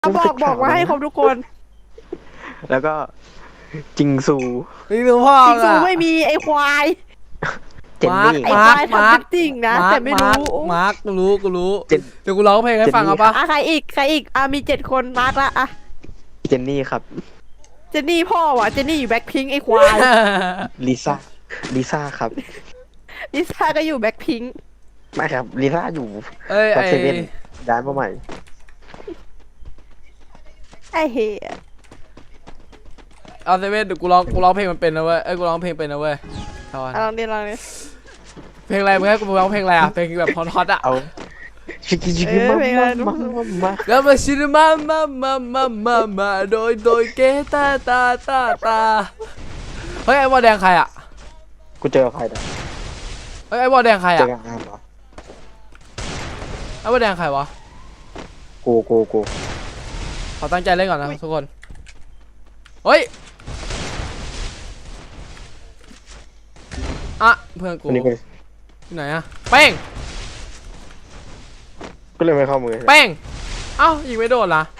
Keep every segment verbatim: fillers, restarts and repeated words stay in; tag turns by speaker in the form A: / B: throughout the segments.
A: บอกบอกมาให้ครบทุกคน
B: แล้วก็จิงซู
C: นี่ดูพ่อ
A: จริงซู
C: อะ
A: ไม่มีไอ้ควาย
B: เจนนี่
A: ไอ้
C: มา
A: ควาย
C: มา
A: ทำจริงนะ
C: มา
A: แต่ไม่รู้
C: มาร์คกูรู้กูรู้
B: เจน
C: เดี๋ยวกูร้องเพลงให้ฟังเอาปะ
A: อ่ะใครอีกใครอีกอ่ะมีเจ็ดคนมาร์กละอ่ะ
B: เจนนี่ครับ
A: เจนนี่พ่อวะเจนนี่อยู่แบ็คพิงไอ้ควาย
B: ลิซ่าลิซ่าครับ
A: ลิซ่าก็อยู่แบ็คพิง
B: ไม่ครับลิซ่าอยู่
C: เอ้ย
B: ก็
C: ไอ
B: เซเว่นย้ายมาใหม่
A: ไอ้เหี้ย
C: เอาเซเว่นเดี๋ยวกูร้องกูร้องเพลงมันเป็นนะเว้ยเอ้ยกูร้องเพลงเป็นนะเว้ยเอาวะ
A: อ่ะลองดิลองดิ
C: เพลงอะไรมึงให้กูร้องเพลงอะไรอ่ะเพลงแบบฮอตๆอ่ะ
B: เอาชิคกี้ชิคกี้มามามามา
C: แล้วมาชิลมามามามามามาโดยโดยเกตาตาตาตาเฮ้ยไอ้บอลแดงใครอ่ะ
B: กูเจอใครนะ
C: เฮ้ยไอ้บอลแดงใคร
B: เจอ
C: อ่ะ
B: กับอามเหรอ
C: ไอ้บอลแดงใครวะ
B: กูกูกู
C: ขอตั้งใจเล่นก่อนนะทุกคนเฮ้ยอ่ะเพื่อนกู
B: คนนี้กู
C: ที่ไหนอะเป้ง
B: ก็เลยไม่เข้ามือ
C: เป้งเอ้ายิงไม่โดนละ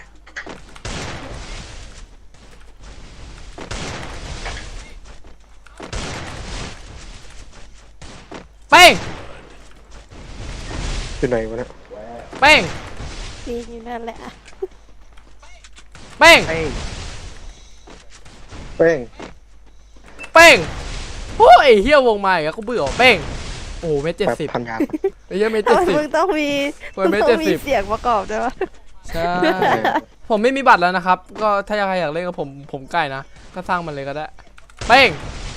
C: เป้ง
B: อยู่ไหนวะเนี่ย
C: เป้ง
A: นี่อยู่นั่นแหละอ่ะ
C: เป้ง
B: เป้งเป้ง
C: เป้งโอ้ยเฮียวงมาอีกแล้วกูเบื่อเป้งโอ้โหเมตรเจ็ด
B: แบบ
C: สิบ
B: พันยา
C: ไอ้เหี้ยเมตร
A: ทำ
C: เจ็ด
A: ไม
C: สิบ
A: มึงต้องมี
C: เปิด
A: มึง
C: เมตร
A: ต้องมี
C: เจ็ดสิบ
A: เสียงประกอบด้วยวะ
C: ใช่ ผมไม่มีบัตรแล้วนะครับ ก็ถ้าใครอยากเล่นกับผมผมใกล้นะก็สร้างมันเลยก็ได้เป้ง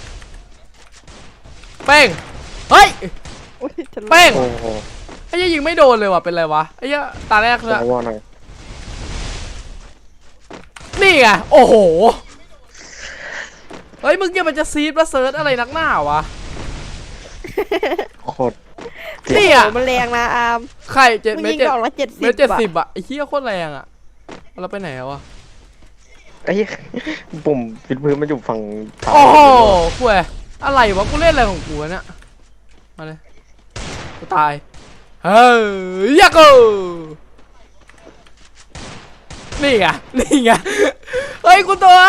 C: เป้งเฮ้ย
A: อุ๊ยฉันรู้
C: เป้ง
B: โอ้โห
C: ไอ้เหี้ยยิงไม่โดนเลยว่ะเป็นไรวะไอ้เหี้ยตาแรกเลย
B: จะว่าหน่อย
C: นี่ไงโอ้โหเฮ้ยมึงยังมันจะซีดมาเซิร์ชอะไรนักหน้าวะ
B: โคตร
C: นี่
A: โอ้
C: อ่ะ
A: โหมันแรงนะอาร์ม
C: ไข่เจ็ด
A: มึง
C: เมต
A: ยิ
C: รง เจ็ด
A: ดอกละเจ็ดสิ
C: เม
A: บ
C: ตรเจ็ดสิบ
A: อะ
C: อ่ะไอ้เหี้ยโคตรแรงอ่ะเราไปไหนแล้ววะ
B: ไอ้เหี้ยปุ่มปิดพื้นมันอยู่ฝั่งซ้าย
C: โอ้โหคุยอะไรวะกูเล่นอะไรของกูวะเนี่ยมาเลยกูตายเฮ้ยยักษ์นี่ไงนี่ไงเฮ้ยกูตัว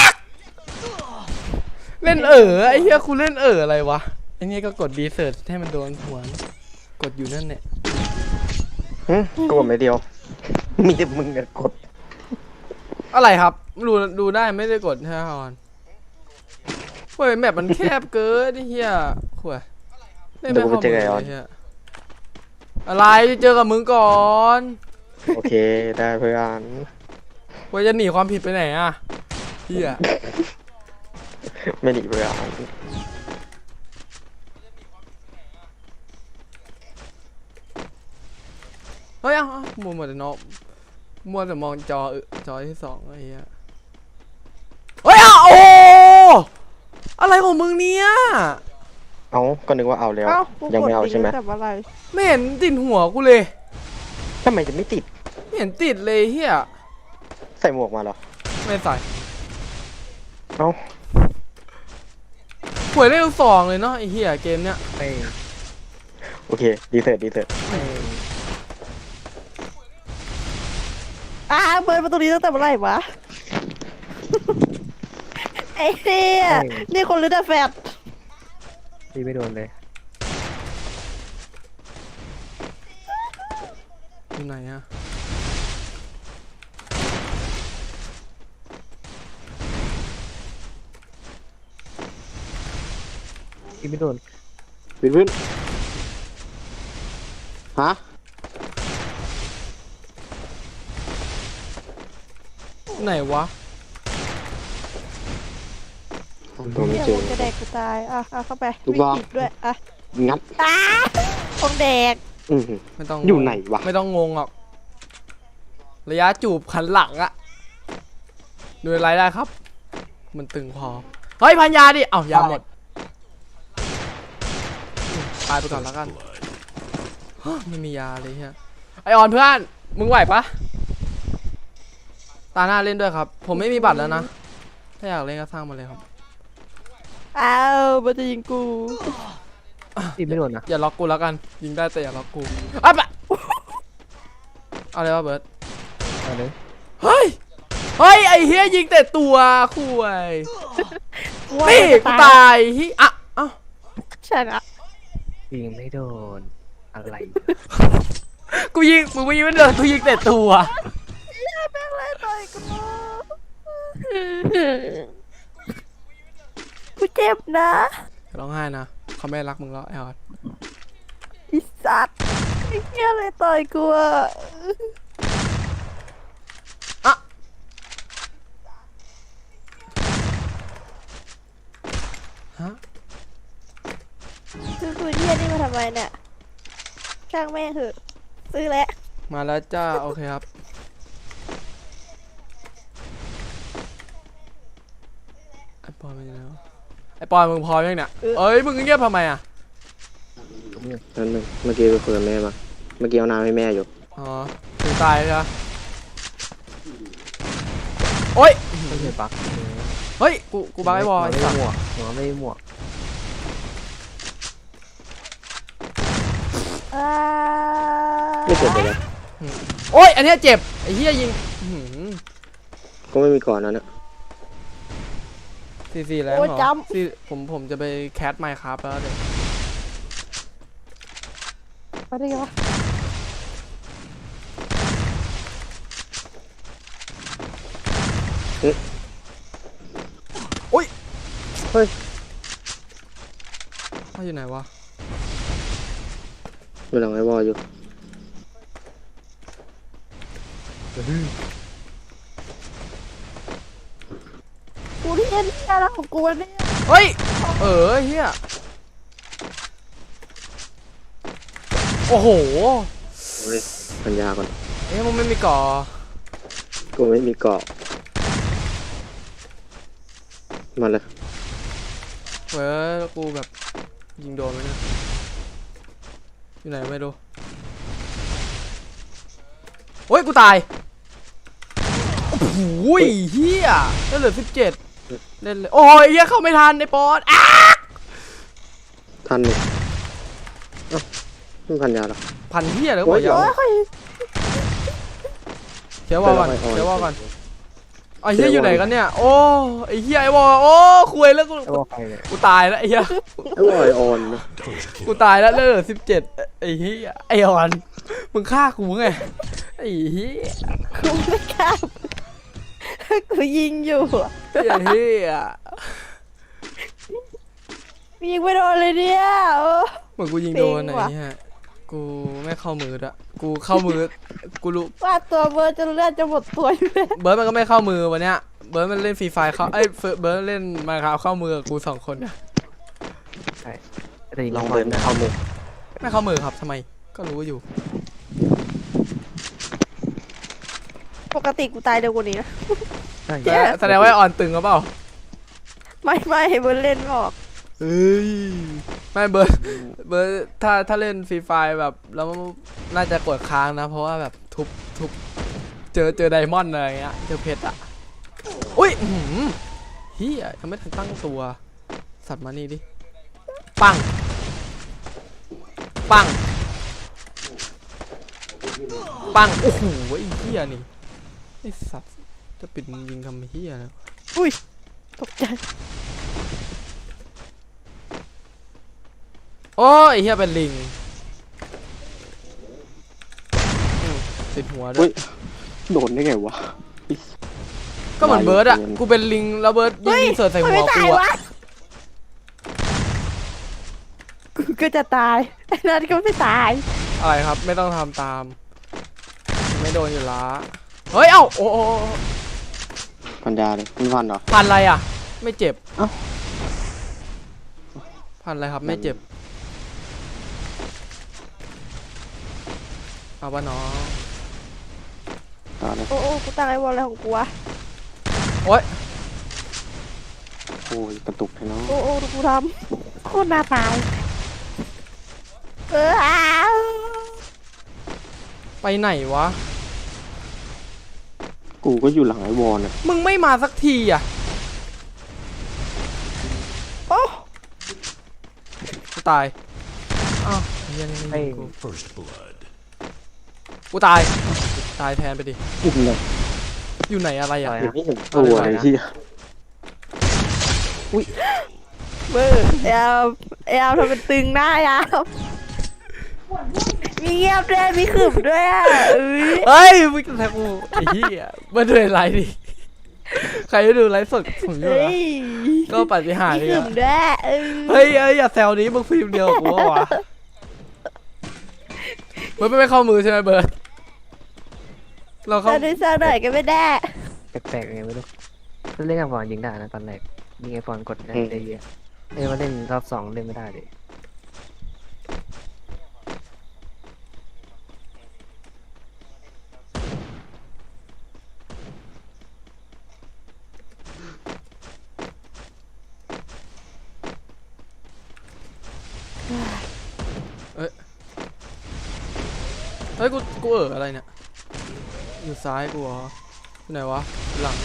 C: เล่นเออไอ้เหี้ยกูเล่นเอออะไรวะไอ้นี่ก็กดดีเซิร์ชให้มันโดนหัวกดอยู่นั่นเนี่ย
B: หึกดไม่เดียว มีแต่มึงอะกด
C: อะไรครับดูดูได้ไม่ได้กดใช่ไหมฮอนเฮ้ยแมปมันแคบเกินไอ้เหี้ยขวดเล่นไม่เข้ามือเลยเหี้ยอะไรเจอกับมึงก่อน
B: โอเคได้เพื่อน
C: ว่าจะหนีความผิดไปไหนอ่ะเหี้ย
B: ไม่หนีเพื่อน
C: เฮ้ยเอ้าเอ้ามัวหมดแต่น้องมัวแต่มองจอจอที่สองไอ้เหี้ยเฮ้ยอ่ะโอ้อะไรของมึงเนี่ย
B: เอาก็นึกว่าเอาแล้ว
A: เอ้ากู
B: ยัง
A: กด
B: ไม่เอา
A: ลิง
B: ใช่ไหม
A: ก์แต่อะไร
C: ไม่เห็นติดหัวกูเลย
B: ทำไมจะไม่ติด
C: ไม่เห็นติดเลยเฮีย
B: ใส่หมวกมาเหรอ
C: ไม่ใส่
B: เอ้า
C: หวยเลขสองเลยเนาะไอ้เฮียเกมเนี้ย
B: โอเคดีเสิร์ตดีเสิร์ต
A: อ่าเปิดประตูนี้ตั้งแต่เมื่อไหร่วะ ไอ้เหี้ยนี่คนหรือแต่แฟด
B: ตีไม่โดนเลย
C: อยู่ไหนอะ
B: ตีไม่โดนปิดพื้นฮะ
C: ไหนวะ
B: ตัวไม่
A: เนี่ย
B: เจอ
A: มึงจะแดกกูตายอ่ะอ่ะเข้าไป
B: ลูก
A: ไม่
B: บอล
A: ติดด้วยอ่ะ
B: งัด
A: อ้าคงแดก
B: อือหือ
C: ไม่ต้อง
B: อยู่ไหนวะ
C: ไม่ต้องงงหรอกระยะจูบขันหลังอะดูอะไรได้ครับ มันตึงพอเฮ้ยพันยาดิเอ้ายาหมดตายไปก่อนแล้วกันฮะไม่มียาเลยเฮียไอออนเพื่อนมึงไหวปะตาหน้าเล่นด้วยครับ ผมไม่มีบัตรแล้วนะถ้าอยากเล่นก็สร้างมาเลยครับ
A: อ้าวมันจะยิงกู
B: ตีไม่โดนนะ
C: อย่าล็อกกูแล้วกันยิงได้แต่อย่าล็อกกูอ่ะปะเอาเลยวะเบิร์ด
B: เอาเลย
C: เฮ้ยเฮ้ยไอ้เฮียยิงแต่ตัวคุย
A: ว่า
C: นี่
A: จะ
C: กูตายฮิอ่ะเอ้า
A: ชนะ
B: ยิงไม่โดนอะไร
C: กูยิงมึงไม่ยิงไม่โดนกูยิงแต่ตัว
A: อย่าแม่งเลยต่อยกูกูเจ็บนะ
C: ร้องไห้นะเขาไม่รักมึงแล้วไอ้ออด
A: อีสัตว์ไอ้เหี้ยเลยต่อยกูอะ
C: อ่ะฮะ
A: ซื้อกูเหี้ยนี่มาทำไมเนี่ยช่างแม่งเถอะซื้อแล้ว
C: มาแล้วจ้าโอเคครับไอ้ปอนเป็นยังไงวะไอ้ปอนมึงพร้อมยังเนี่ยเอ้ยมึงเงียบทำไมอ่ะ
B: นั่นนึงเมื่อกี้ไปคุยกับแม่มาเมื่อกี้เอาน้ำให้แม่อยู่
C: อ๋อถึงตายใช่ไหมโอ๊ย
B: ไม่ใช่ปัก
C: เฮ้ยกูกูบักไอ้บอลไอ้สัตว์
B: หมวกหัวไม่หมวก
A: อ่า
B: ไม่เจ็บเลย
C: โอ๊ยอันเนี้ยเจ็บไอ้เหี้ยยิงอื้อหือ
B: ก็ไม่มีก่อนนั้นนะ
C: สี่สี่แล้วเหรอสี่ผมผมจะไปแคสไมค์ครับแล้วเดี๋ยว
A: มาได้ไงวะ
C: โอ๊ย
B: เฮ้ย
C: เขาอยู่ไหนวะ
B: อยู่หลังไอ้วอลอยู่
A: กูที่เอ็นเนี่ยแล้วของกูเนี่ย
C: เฮ้ยเออเฮียโอ้โห
B: เฮ้ยปัญญาก่อน
C: เอ๊ะมึงไม่มีก่อ
B: กูไม่มีเกาะมาเลย
C: เว้ยกูแบบยิงโดนไหมเนี่ยอยู่ไหนไม่รู้โอ้ยกูตายโอ้โหเฮียได้เหลือสิบเจ็ดเล่นเลยโอ้ยเฮียเข้าไม่ทันในปอนอ้า
B: ทันนี่เอ้าไม่พันยาหรอ
C: พันเฮียเลยบอกยาว
A: โอ้ย
C: เขียววอลก่อนเขียววอลก่อนไอ้เฮียอยู่ไหนกันเนี่ยโอ้ไอ้เฮียไอ้วอลโอ้คุยแล้วกู
B: ไอ้วอลใครเนี่ย
C: กูตายแล้วไอ้เฮีย
B: ไอ้วอลไอออนนะ
C: กูตายแล้วเหลือสิบเจ็ดไอ้เฮียไอ้ออนมึงฆ่ากูไงไอ้เฮีย
A: กูไม่กล้ากูยิงอยู่อะ
C: ไอ้เฮีย
A: ยิงไม่โดนเลยเนี่ยโอ้
C: เหมือนกูยิงโดน
A: เซ็
C: ไอ้
A: งว่ะ
C: เฮียกูไม่เข้ามืออะกูเข้ามือกูรู้
A: ว่าตัวเบอร์จนเลือดจะหมดตัวอยู่แล้ว
C: เบิร์ดมันก็ไม่เข้ามือวันเนี้ยเบิร์ดมันเล่นฟรีไฟเข้าเอ้ยเบิร์ดเล่นมาครับเข้ามือกับกูสองคนเนี่ย
B: ลองเดินเข้ามุม
C: ไม่เข้ามือครับทำไมก็รู้อยู่
A: ปกติกูตายเร็วกว่านี้นะ
C: แสดงแสดงว่าไอ้ออนตึงหรือเปล่า
A: ไม่ไม่เบอร์เล่นไม่ออก
C: เอ้ยไม่เบิร์ดเบิร์ดถ้าถ้าเล่นฟรีไฟแบบแล้วน่าจะกดค้างนะ เพราะว่าแบบทุบทุบเจอเจอไดมอนด์อะไรเงี้ยเจอเพชรอ่ะอุ้ยอื้อหือเฮียยังไม่ทันตั้งตัวสัตว์มานี่ดิปังปังปังโอ้โหไอ้เฮียนี่ไอ้สัตว์จะปิดมึงยิงทำเฮียนะ
A: อุ้ยตกใจ
C: โอ้ยไอ้เฮียเป็นลิงอืมติดหัวด้ว
B: อุ้
C: ย
B: ยโดนได้ไงวะ
C: ก็เหมือนเบิร์ดอ่ะ กูเป็นลิงแล้วเบิร์ดยิง
A: เฮ้ย
C: ยิงเสิร์ฟใส่
A: มัน
C: หั
A: ไม่
C: ว
A: ตา
C: กู
A: ย
C: อะ
A: วะกูก็จะตายไอ้นั่นก็ไม่ตาย
C: อะไรครับ ไม่ต้องทำตาม ไม่โดนอยู่ละเฮ้ย เอ้า โอ้โอ้
B: พันยาเลยไม่พันเหรอ
C: พันอะไรอ่ะ ไม่เจ็บ
B: เอ้า
C: พันอะไรครับ ไม่เจ็บ เอาปะน้อง
B: ต่อเลย
A: โอ้โอ้กูตั้งไอ้บอลอะไรของกูวะ
C: โอ๊ย
B: โอ้ยกระตุกเลยเนาะ
A: โอ้โอ้ดูกูทำโคตรน่าตายเอออ้าว
C: ไปไหนวะ
B: กูก็อยู่หลังไอ้วอลน่ะ
C: มึงไม่มาสักทีอ่ะ
A: โอ้
C: กูตาย อ้าวเฮียนี่ไม่ยิงกู
D: First blood.
C: กูตาย ตายแทนไปดิ
B: อุ้มเลย
C: อยู่ไหนอะไรอ่ะ
B: เดี๋ยวนี้เห็นตัวเลยที่
A: เบอร์แอลแอลทำเป็นตึงหน้ายาวมีเงียบด้วยมีขึบด้วยอ่ะเอ้ย
C: เฮ้ยมึงจะแทงกูไอ้เหี้ยมาดูไลฟ์ดิใครจะดูไลฟ์สดผมอยู่
A: เฮ้
C: นะ
A: ย
C: ก็ปฏิหาร
A: มี
C: ย์
A: ขึ
C: เนี่ย
A: บด้วยเออ
C: เฮ้ยเอ้ยอย่าแซวนี้มึงฟิล์มเดียวกับกูวะเบิร์ดไม่เข้ามือใช่ไหมเบิร์ดเราเข้า
A: ตอนนี้เซอร์หน่อยก็ไม่ได้
D: แปลกๆไงไม่รู้ถ้าเล่นกับฟอนยิงได้นะตอนแรกยิงไอฟอนกดได้ได้เยอะเอ้ยมาเล่นรอบสองเล่นไม่ได้เลย
C: เฮ้ยกูกูเอออะไรเนี่ยอยู่ซ้ายกูเหรออยู่ไหนวะหลัง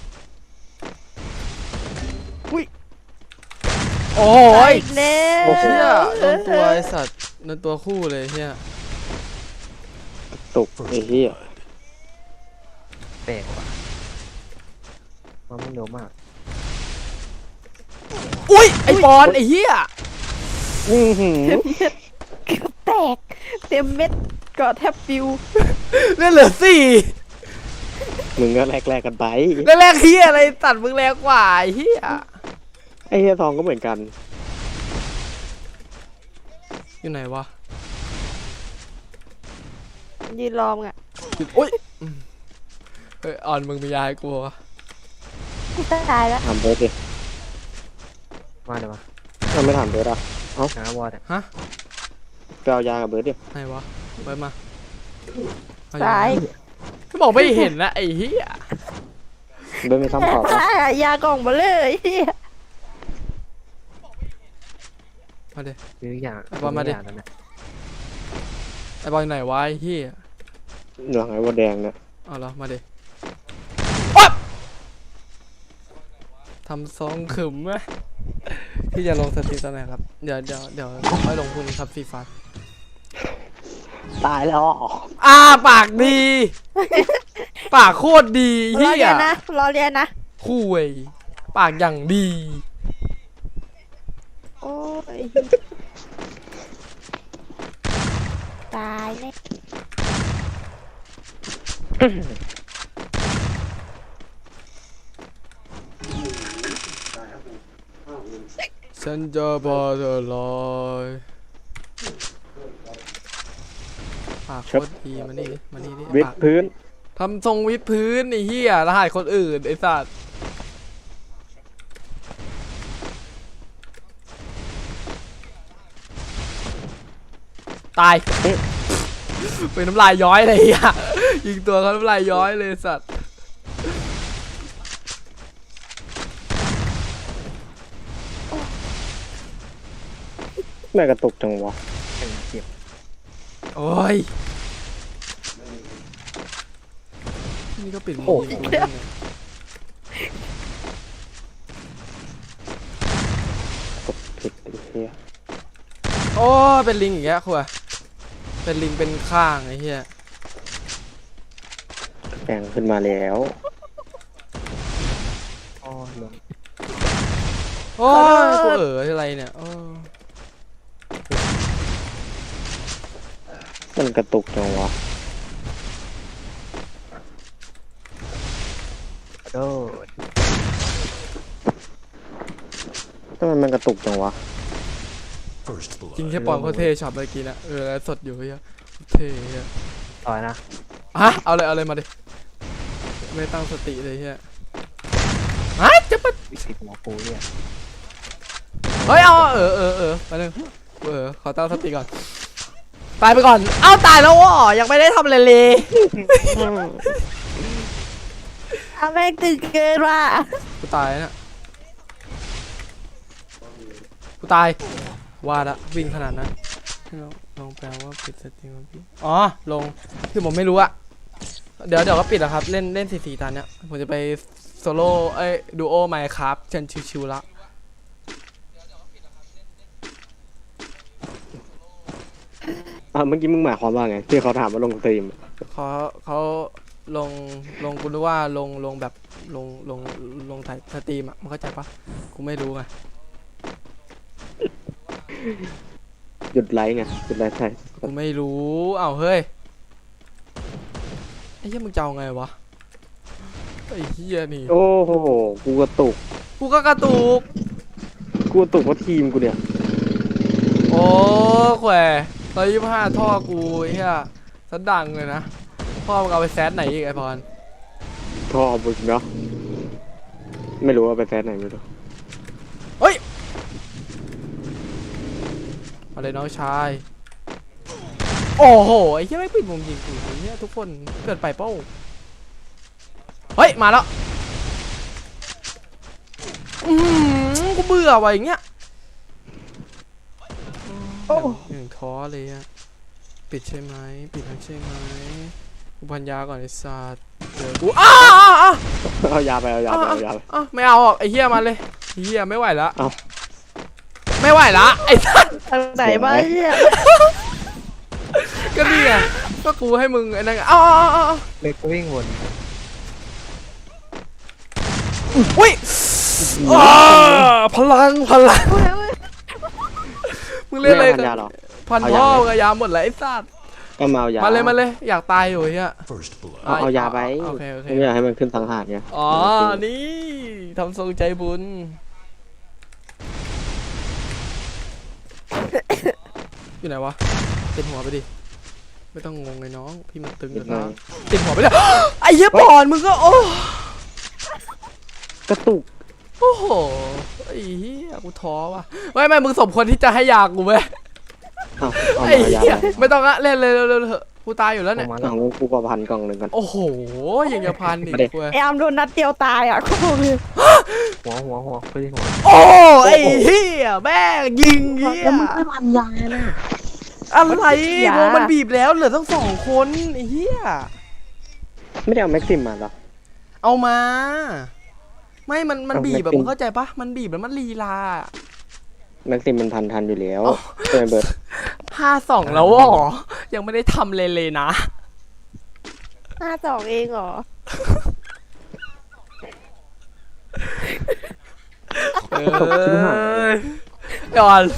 C: อุ้ยโอ้ย
A: อีกแล้ว
C: เชี่ยโดนตัวไอสัตว์โดนตัวคู่เลยเฮีย
B: ตกไอ้เหี้ย
D: แปลกว่ะมันไม่เร็วมาก
C: อุ้ยไอปอนไอเฮีย
B: อื้อหือ
A: เกือบแตกเต็มเม็ดเกาะแทบปิว
C: เลือดเหลือสี่
B: มึงก็แลกๆกันไป
C: แรกๆเฮียอะไรตัดมึงแรงกว่าไอเฮีย
B: ไอ้เหี้ยทองก็เหมือนกัน
C: อยู่ไหนวะ
A: ยืนรอมงอ่ะ
C: อุ้ยเฮ้ยอ่อนมึงมียาให้กูวะ
A: กูตายแล้ว
B: ถามเบิร์ดดิ
D: มาเดี๋ยวมา
B: เราไม่ถามเบิร์ดอ่ะ
D: หาวอร์ด
C: ฮะ
B: ไปเอายากับเบิร์ดดิ
C: ไหนวะไปมาเอ
A: ตาย
C: ก็บอกไม่เห็นนะไอ้เฮีย
B: เบิร์ดไม่ซ้ำขอบนะ
A: ตายอ่ะยากล่องมาเลยเหี้ย
C: มาเด
D: ซื้ออย่าง
C: เอาบอลมาดิ
D: ซื้อย่างแล้วนะ
C: ไอ้บอลอยู่ไหนวะไอ้เฮีย
B: เหลืองไอ้วัวแดงเนี่ย
C: เอาละมาเดอ๊บทำซองขึมไหมที่จะลงสตรีมตอนไหนครับเดี๋ยวเดี๋ยวเดี๋ยวค่อยลงพรุ่งนี้ครับสีฟ้า
B: ตายแล้ว
C: อ่าปากดี ปากโคตรดี
A: ร
C: เฮี
A: อเรี
C: ย
A: ยนนะรอเรียนนะ
C: คุยปากอย่างดี
A: โอ้ยตายแน่
C: ฉันจะพอเธอลอยปากโคตรดีมานี่ดิมานี่ดิ
B: วิด
C: ปาก
B: พื้น
C: ทำทรงวิดพื้นไอ้เหี้ยรหัสคนอื่นไอ้สัตว์ตายเป็นน้ำลายย้อยเลยอ่ะยิงตัวเขาน้ำลายย้อยเลยสัตว์
B: แม่กระตุกจังวะ
D: แข่งเจ็บ
C: โอ้ยนี่ก็ปิดมือยิงกูได้ไง
B: ผิดไอ้เหี้ย
C: โอ้ยเป็นลิงอย่างเงี้ยคุยเป็นลิงเป็นข้างไอ้เหี้ย
B: แปลงขึ้นมาแล้ว
D: อ้อลง
C: โอ้ยกูเอ๋ออะไรเนี่ยโอ้
B: มันกระตุกจังวะ
D: กระโดด
B: ทำไมมันกระตุกจังวะ
C: จริงแค่ปอนเขาเท่ช็อตเมื่อกี้นะเออแล้วสดอยู่เฮียเท่เฮีย
D: ต่อยนะ
C: ฮะเอาเลยเอาเลยมาดิไม่ตั้งสติเลยเฮียฮะจะปะ
D: วิสิตหมอปูเนี่ย
C: เฮ้ยเอาเออเออเออมาหนึ่งเออขอตั้งสติก่อนตายไปก่อนเอ้าตายแล้วอ๋อยังไม่ได้ทำอะไรเลย
A: เอาแม่งตึงเกินว่ะ
C: กูตายนะกูตายว่าละวิ่งขนาดนั้นลองลองแปลว่าปิดสตรีมพี่อ๋อลงคือผมไม่รู้อะเดี๋ยวเดี๋ยวก็ปิดแล้วครับเล่นเล่นสี่สี่ตอนเนี้ยผมจะไปโซโล่เอ้ยดูโอไมค์ครับเชิญชิวๆละ
B: อ่ะเมื่อกี้มึงหมายความว่าไงที่เขาถามว่าลงสตรีม
C: เขาเขาลงลงกูรู้ว่าลงลงแบบลงลงลงถ่ายสตรีมอ่ะมันเข้าใจปะกูไม่รู้ไง
B: หยุดไลฟ์ไงหยุดไลฟ์ใช่
C: กูไม่รู้อ้าวเฮ้ยไอ้เหี้ยมึงจะเอาไงวะไอ้เหี้ยนี่
B: โอ้โหกูกระตุก
C: กูก็กระตุก
B: กูกระตุกเพราะทีมกูเนี่ย
C: โอ้แขวร้อยยี่สิบห้าท่อกูไอ้เหี้ยสันดังเลยนะพ่อมึงเอาไปแซดไหนอีกไอพร
B: ทอบุญเนาะไม่รู้ว่าไปแฟนไหนไม่รู้
C: เฮ้ยมาเลยน้องชายโอ้โหไอ้เหี้ยไม่ปิดมุมยิงกูไอ้เหี้ยทุกคนเกิดไปเป้าเฮ้ยมาแล้วอืมกูเบื่อว่ะอย่างเงี้ยโอ้ยังท้อเลยอะปิดใช่ไหมปิดทั้งใช่ไหมกูพันยาก่อนไอ้สัตว์เดี๋ยวกูอ้าอ้าอ้า
B: เอายาไปเอายาไปเอายาไป
C: อ้าไม่เอาหรอกไอ้เหี้ยมันเลยเหี้ยไม่ไหวละ
B: เอา
C: ไม่ไหวละไอ้สัตว์
A: ทางไหนบ้างเนี่ย
C: ก็นี่ไงก็กูให้มึงไอ้นั่นไงอ้าอ้าอ้า
D: เล็กก็วิ่งวน
C: อุ้ยอ้าพลังพลังมึงเล่นอะไร
B: ไม่เอาพันยาหรอ
C: พันพ่อกับยาหมดเลยไอ้สัตว์
B: ก็มาเอายา
C: มา
B: มา
C: เลยมาเลยอยากตายอยู่เฮีย
B: เอาเอายาไป
C: โอเคโอเค
B: ไม่อยากให้มันขึ้นสังหารไง
C: อ๋อนี่ทำทรงใจบุญอยู่ไหนวะติดหัวไปดิไม่ต้องงงเลยน้องพี่มันตึงอยู่นะติดหัวไปเลย ไอ้เหี้ยบอลมึงก็โอ้
B: กระตุก
C: โอ้โหไอ้เหี้ยกูท้อว่ะไม่ไม่มึงสมควรที่จะให้ยากูไหม
B: เอาเอา
C: ไอ้
B: เอายา
C: เหี้ย
B: ไป
C: ไม่ต้องละเล่นเลยเร็วๆเถอะกูตายอยู่แล้วเนี่ย
D: มา
B: เอางั้นกูประพันกล่องหนึ่งกัน
C: โอ้โหยังจะพันอีก
B: มาดิ
C: กู
A: ไอ้อามโดนนัดเดียวตายอ่ะกูบอกเลย
D: หัวหัวหัวไปที่หัว
C: โอ้ไอ้เหี้ยแม่งยิงเหี้ย
B: แล้วมึงไม่พันยานะ
C: อะไรวงมันบีบแล้วเหลือทั้งสองคนไอ้เหี้ย
B: ไม่ได้เอาแม็กซิมมาหรอ
C: เอามา ไม่มันมัน
B: เอา
C: บีบแบบ
B: แม็กซิม
C: มึงเข้าใจปะมันบีบแล้วมันลีลา
B: แม็กซิมมันพันทันอยู่แล้วใช่ไหมเบิร์ด
C: ห้าสองแล้วเหรอยังไม่ได้ทำเลยเลยนะ
A: ห้าสองเองเหรอ
C: เอ้ยก่อน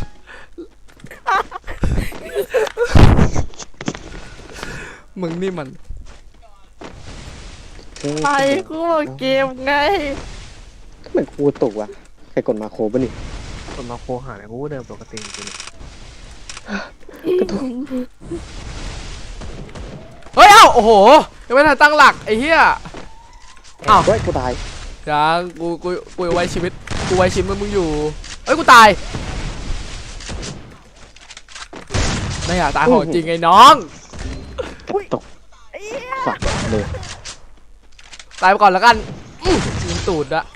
C: มึงนี่มัน
A: ไปกูบอกเกมไง
B: ทำไมกูกระตุกวะใครกดมาโครป่ะนี่
D: คนมาโคหาเนี่ยกูเดินปกติจริง
C: เฮ้ยเอ้าโอ้โหยังไม่ทันตั้งหลักไอ้เหี้ย อ้าว
B: เฮ้ยกูตาย
C: ยังกูกูกูไว้ชีวิตกูไว้ชีวิตมึงอยู่เอ้ยกูตายไม่อยากตายของจริงไอ้น้อง
B: ตกสัตว์เลย
C: ตายไปก่อนแล้วกันอื้อยิงตูดอะ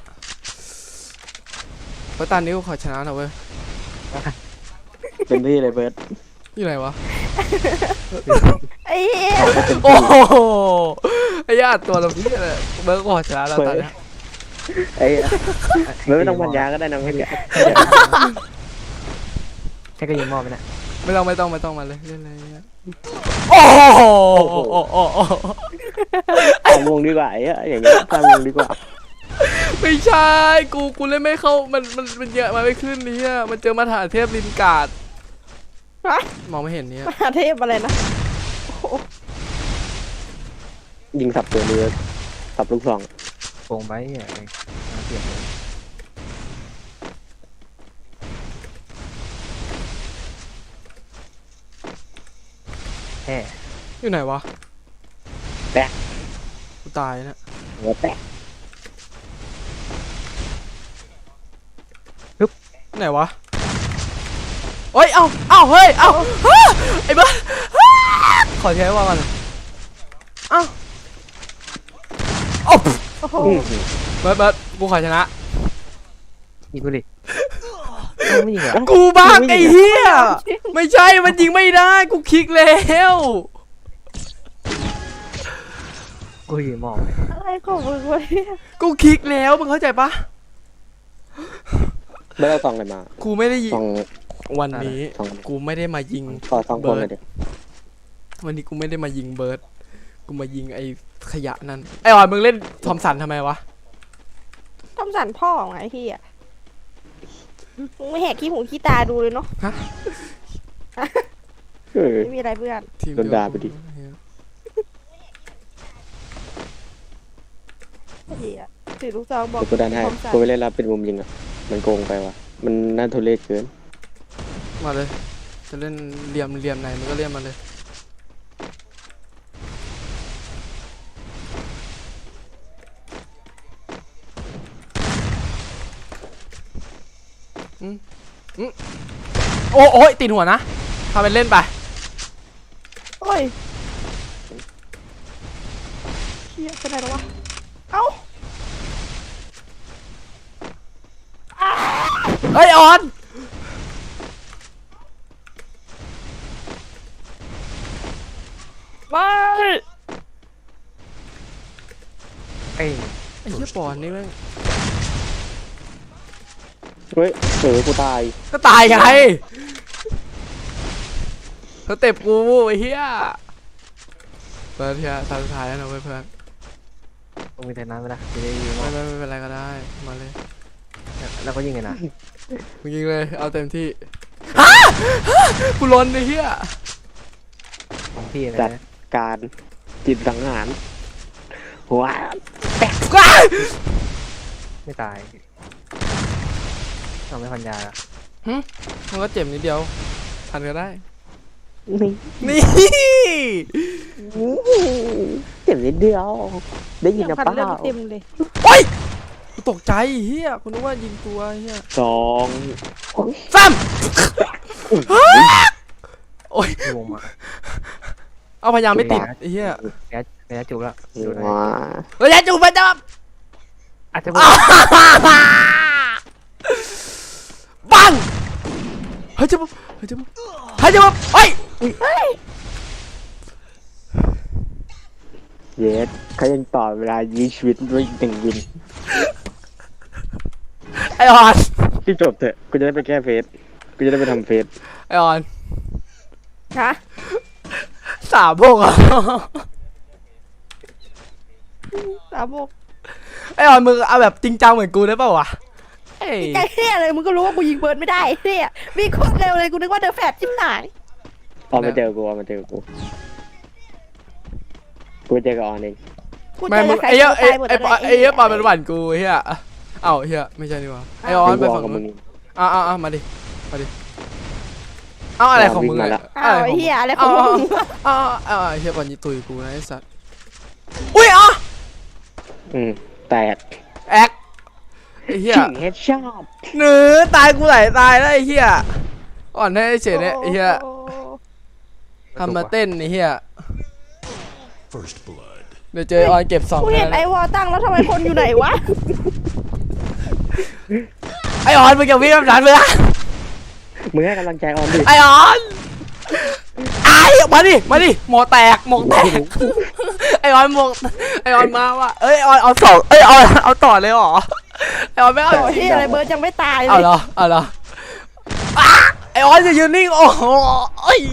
C: เพราะตอนนี้กูขอชนะหน่อยเว้ย
B: เป็นที่เลยเบิร์ด
C: อยู่ไหนวะ
A: ไอ้เหี้ย
C: โอ้โหไอ้ญาติตัวเราพี่เลยเบิร์กขอชนะแล้วตอนเนี้ย
B: ไอ้เบิร์ดไม่ต้องพันยาก็ได้นะไม่แก
D: แค่ก็ยิงมอบไปนะ
C: ไม่ต้องไม่ต้องไม่ต้องมาเลยเล่นอะไรเนี่ยโอ้โหโอ้โหโอ้โห
B: ตามวงดีกว่าไอ้อะอย่างเงี้ยตามวงดีกว่า
C: ไม่ใช่กูกูเล่นไม่เข้ามันมันมันเยอะมาไม่ขึ้นเนี่ยมันเจอมาถาเทพลินการ์ด
A: ฮะ
C: มองไม่เห็นเนี่ย
A: มหาเทพอะไรนะ
B: ยิงสับตัวเรือสับลูกซอง
D: โป่งไปอ่ะเสียบเลยแฮ่
C: อยู่ไหนวะ
B: แปะ
C: กูตายนะ
B: หัวแตก
C: ไหนวะเฮ้ยเอ้าเอ้าเฮ้ยเอ้าฮ่าไอ้บ้าฮ่าขอใช้ว่ากันเอ้าโอ้
A: โอ้โห
B: อื้อหือ
C: เบิร์ดเบิร์ดกูขอชนะ
D: ยิงกูดิไม่ยิงเหรอ
C: กูบ้าไอ้เหี้ยไม่ใช่มันยิงไม่ได้กูคลิกแล้ว
D: กูยิงมอบเลย
A: อะไรของมึงวะเนี่ย
C: กูคลิกแล้วมึงเข้าใจปะ
B: ไม่ได้ซองอะไรมา
C: กูไม่ได้ยิง
B: ซอง
C: วันนี้
B: ซอง
C: กูไม่ได้มายิง
B: ต่อซองคนเลยเดี๋ยว
C: วันนี้กูไม่ได้มายิงเบิร์ดกูมายิงไอ้ขยะนั่นไอ้ออนมึงเล่นทอมสันทำไมวะ
A: ทำสันพ่อไงพี่อ่ะมึงไม่แหกขี้หูขี้ตาดูเลยเนาะ
B: เออ
A: ไม่มีอะไรเพื่อน
C: ทีม
B: โดนด่าไปดิ
A: เฮียถือลูกซองบอก
B: เดี๋ยวกูดันให้
A: ทำสัน
B: กูไปเล่นรับเป็นมุมยิงอ่ะมันโกงไปว่ะมันน่าทุเรศเกิน
C: มาเลยจะเล่นเหลี่ยมเหลี่ยมไหนมึงก็เล่นมาเลยอืมอืมโอ้โอ้ยติดหัวนะทำเป็นเล่นไป
A: โอ้ยเฮียเป็นไรแล้ววะเอ้า
C: เฮ้ยออน
A: ไม่
D: เอ้ย
C: ไอ้เหี้ยปอนนี่แม่ง
B: เฮ้ยเออกูตาย
C: ก็ตายไงสเต็ปกูไอ้เหี้ยเปิดเทียตาสุดท้ายแล้วนะเว้ยเพื่อน
D: มึงมีแต่น้ำไหมล่ะจะได้ยิง
C: ไม่ไม่ไม่เป็นไรก็ได้มาเลย
D: แล้วก็ยิงไงนะ
C: มึงยิงเลยเอาเต็มที่ฮะกูร้อนไอ้เหี้ย
D: ของพี่นะ
B: จัดการจิตสังหารว้า
C: ว้าย
D: ไม่ตายทำไม่พันยาละ
C: มันก็เจ็บนิดเดียวทันก็ได้
B: นี่
C: นี่
B: เจ็บนิดเดียวได้ยิน
A: ยัง
B: นะ
A: พัน
B: เป
A: เลือ
B: ล่า
A: ดเต็มเลย
C: โอ้ยกูตกใจเฮียกูนึกว่ายิงตัวเฮีย
B: สอง
C: สามโอ้ย
D: พี่วงมา
C: เอาพยายามไม่ติดไอ้เฮีย
D: แกแกจูบแล้วดูนะ
B: ว้า
C: ระยะจูบไปจับ
D: อาจจะ
C: ปังเฮ้ยจับเฮ้ยจับเฮ้ยจับเฮ้ย
B: เยสเขายังต่อเวลายื้อชีวิตด้วยหนึ่งวิน
C: ไอออน
B: ที่จบเถอะกูจะได้ไปแก้เฟสกูจะได้ไปทำเฟส
C: ไอออน
A: ฮะ
C: สามพวกอ่ะ
A: สามโมก
C: ไอออนมึงเอาแบบจริงจังเหมือนกูได้ป่าววะเอ้ย
A: ใจเฮียเลยมึงก็รู้ว่ากูยิงเบิร์ดไม่ได้เฮียวิ่งโคตรเร็วเลยกูนึกว่าเดอะแฟดจิ้มหาย
B: ออนมาเจอกูออนมาเจอกูกูเจอกับออนเอง
A: กู
C: ไม่
A: เจอ
C: มึ
A: กับ
C: ง
A: ใคร
C: ไอ้เหี้ย
A: ตัว
C: ไอ้
A: ตายหมด
C: ไอ้
A: แล้ว
C: ไอ้เหี้ยปอนเป็นหวานกูเฮียเอ้าเฮียไม่ใช่นี่หว่าไอออนไปฝั่ง
B: กับมึ
C: นู้
B: ง
C: นอ่ะอ่ะอ่ะมาดิมาดิเอาอะไรของมึง
B: วิ่งมา
C: เนี่
B: แล้
C: ยว
A: อ้าวไอ้เฮียอะไรของมึง
C: อ้าวอ้าวไอ้เฮียปอนยิตุยกูนะไอ้สัตว์อุ้ยอ่ะ
B: อืมแตก
C: แอคไอ้เฮีย
B: ชิงเฮดช็อต
C: เนื้อตายกูไหลตายแล้วไอ้เฮียอ่อนให้เฉยเนี่ยไอ้เฮีย
A: โอ้
C: ทำมาเต้นไอ้เฮีย
E: First blood.
C: เดี๋ยวเจอออนเก็บสอง
A: กูเห็นไอ้วอลตั้งแล้วทำไมคนอยู่ไหนวะ
C: ไอออนมึงจะวิ่งแบบนั้นเลยอะ
B: มึงให้กำลังใจออนดิ
C: ไอออนไอมาดิมาดิหมอแตกหมอแตกไอออนหมอไอออนมาว่ะเอ้ยออนเอาสองเอ้ยเอาเอาต่อเลยเหรอไอออนไม่เอา
A: โอ้ยเฮียอะไรเบิร์ดยังไม่ตายเล
C: เอา
A: ย
C: เหรอเอาเหรออ่ะไอออนจะยืนนิ่งโอ้โหเอ้ย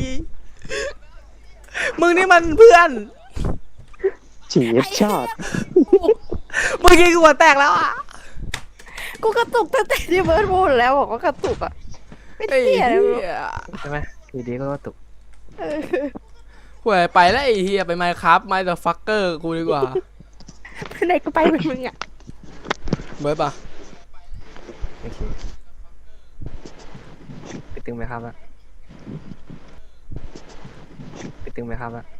C: มึงนี่มันเพื่อน
B: ชิงเฮดช็อต
C: เมื่อกี้กูหัวแตกแล้วอ่ะ
A: กูกระตุกตั้งแต่ที่เบิร์ดพูดแล้วบอกว่ากระตุกอ่ะไม่
C: ไอ้
A: เฮียเลย
C: เหี้ย
D: ใช่ไหมอยู่ดีก็ตก
A: เออ
C: ห่วยไปแล้วไอ้เฮียไปไมค์ครับไมค์เดอะฟักเกอร์กูดีกว่า
A: ไหนก็ไปเป็นมึงอ่ะ
C: เบิร์ดปะ
D: โอเคไปตึงไหมครับอะไปตึงไหมครับอะ